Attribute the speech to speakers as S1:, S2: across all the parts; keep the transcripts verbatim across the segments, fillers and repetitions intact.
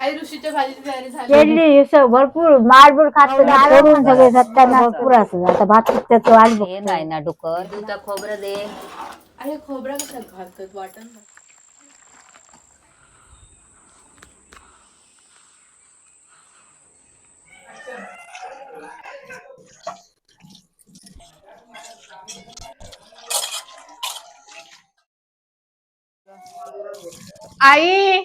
S1: आई ऋषीच्या भाजीची तयारी झाली.
S2: केली भरपूर मारबूर खात सोडून सगळे सत्त्याण्णव भरपूर असं आता भात त्याचं वाट
S3: हे नाही ना डुकर तुझा खोबरं दे.
S1: आई खोबरा कशात घालतात वाटण. आई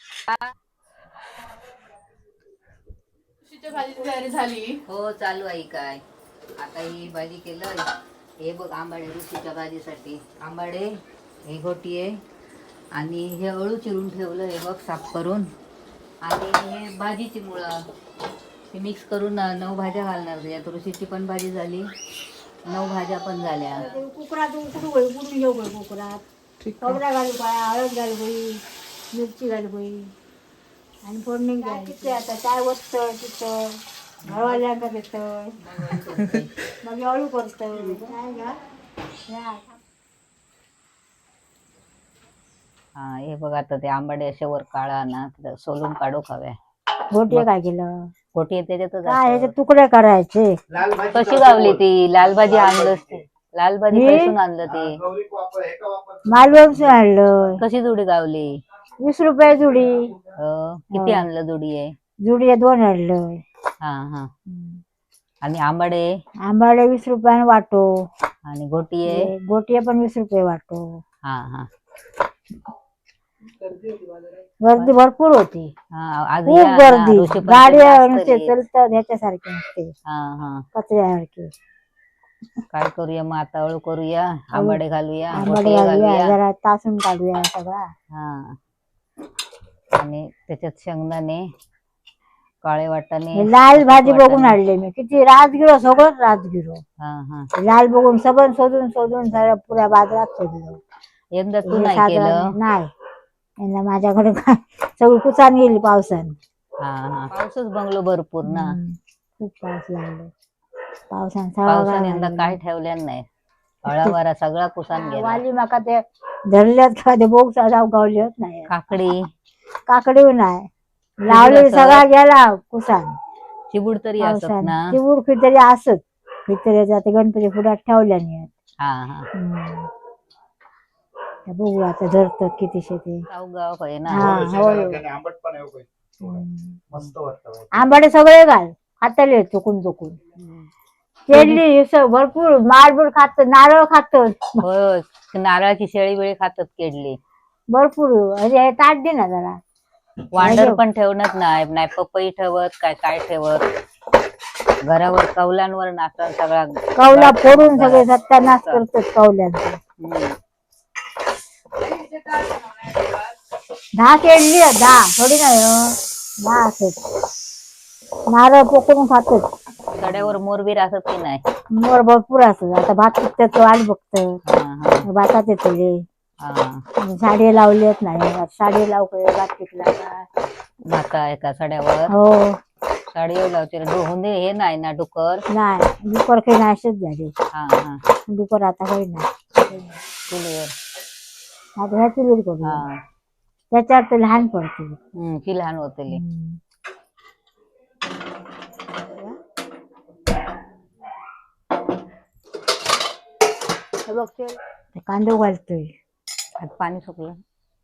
S1: ऋषीच्या भाजीची तयारी झाली.
S3: हो चालू आहे काय आता ही भाजी केलं. हे बघ आंबाडे ऋषीच्या भाजीसाठी आंबाडे हे घोटी आहे आणि हे अळू चिरून ठेवलं हे बघ साफ करून आणि हे भाजीची मुळं हे मिक्स करून नऊ भाज्या घालणार त्याच्यात. ऋषीची पण भाजी झाली नऊ भाज्या पण झाल्या.
S2: कुकरात उकडू उकडून घेऊ कुकरात खोबरा घालू काय हळद घालू बाई मिरची घालू बाई आणि फोडणी घ्यायची. आता काय वचतं तिथं घरवाल्यांका देतं मग अळू करतं काय घ्या.
S3: हा हे बघ आता ते आंबाडे असे वर काळा ना सोलून काढू खाव्या.
S2: घोटी काय केलं
S3: घोटी आहे त्याच्यातच
S2: काय ह्याचे तुकडे करायचे.
S3: कशी गावली ती लाल भाजी आणलंच ते लाल भाजी पैसून आणलं ते
S2: मालवण आणलं.
S3: कशी जुडी गावली.
S2: वीस रुपये जुडी.
S3: किती आणलं जुडी आहे.
S2: जुडी आहे दोन आणलं.
S3: हा हा आणि आंबाडे
S2: आंबाडे वीस रुपयाने वाटो
S3: आणि घोटी आहे
S2: घोटी पण वीस रुपये वाटो.
S3: हा हा
S2: गर्दी भरपूर होती.
S3: आज
S2: खूप गर्दी गाड्या नुसते चलतात ह्याच्यासारखे नसते कचऱ्यासारखे.
S3: काय करूया मग आता अळू करूया आंबाडे घालूया
S2: आंबाडे घालूया जरा तासून काढूया सगळा.
S3: हा आणि त्याच्यात शेंगदाणे काळे वाटाणे
S2: लाल भाजी बघून आणले मी किती राजगिरो सगळंच राजगिरो.
S3: हा हा
S2: लाल बघून सगळं शोधून शोधून सगळं पुऱ्या बाजारात शोधलं.
S3: यंदा तू नाही केलं.
S2: नाही यंदा माझ्याकडे काय सगळी कुचान गेली पावसाने.
S3: हा हा पाऊसच बंगलो भरपूर ना
S2: खूप पाऊस लागलो पावसाने
S3: पावसाने यंदा काय ठेवल्यान नाही. हळावारा सगळा कुसान गेला.
S2: वाली माका ते धरल्यात का ते बोग जाऊ गावली होत नाही.
S3: काकडी
S2: काकडी नाही लावली सगळा गेला कुसान.
S3: चिबूड तरी असत ना
S2: चिबूड खिचडी असत खिचडी जाते गणपती पुढ्यात ठेवल्या नाही.
S3: हा हा
S2: बघू आता धरतात किती शेती
S3: गाव आहे ना.
S2: आंबाडे सगळे घाल खातले चुकून चुकून केली भरपूर मारबूर खात नारळ खात.
S3: हो नारळाची शेळी वेळी खातात केडली
S2: भरपूर. अरे ताट दे ना जरा.
S3: वांडर पण ठेवणच नाही नाही पपई ठेवत काय काय ठेवत घरावर कौलांवर नाचतात सगळा
S2: कौला फोडून सगळे सत्यानाश करतात कौल्यांचा. दहा केळली दहा थोडी नाही दहा असत नारळ पोकळून खातात.
S3: सड्यावर मोरबीर असत की नाही.
S2: मोर भरपूर असत. आता भात पिकतात वाट बघत भातात येतले साडी लावलीच नाही. साडी लावू भात पिकला
S3: भाता एका सड्यावर.
S2: हो
S3: साडी लावते दे हे नाही ना डुकर
S2: नाही डुकर काही नाशच झाले.
S3: हा हा
S2: डुकर आता काही नाही
S3: चुलीवर
S2: आता ह्या चुलीवर करू त्याच्यावर ते लहान पडते
S3: की लहान होते.
S2: बघते कांदो घालतोय
S3: पाणी सुकलं.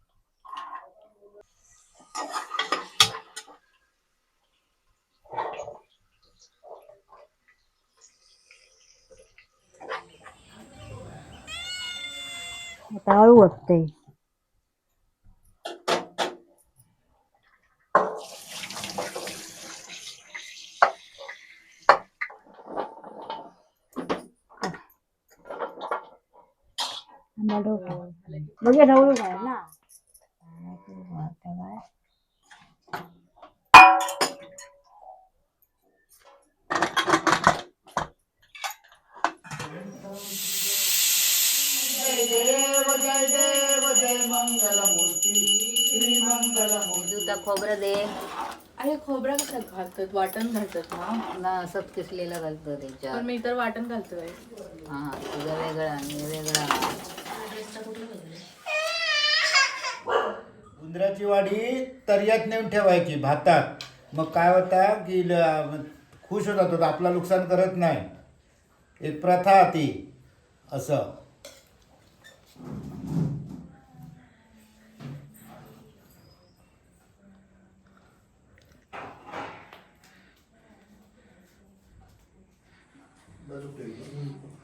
S2: आता अळू वाटतंय. बघे ढवळू काय ना
S3: खोबरं दे.
S1: आई खोबरा कशात घालतात वाटण घालतात ना
S3: असंच किसलेलं घालतं त्याच्यात.
S1: पण मी तर वाटण घालतोय.
S3: हा तुझं वेगळं आणि वेगळा
S4: उंदराची वाडी तर्यात नेऊन ठेवायची भातात. मग काय होता की ल- खुश होता तो, आपला नुकसान करत नाही. एक प्रथा ती असं.
S5: Baru deh.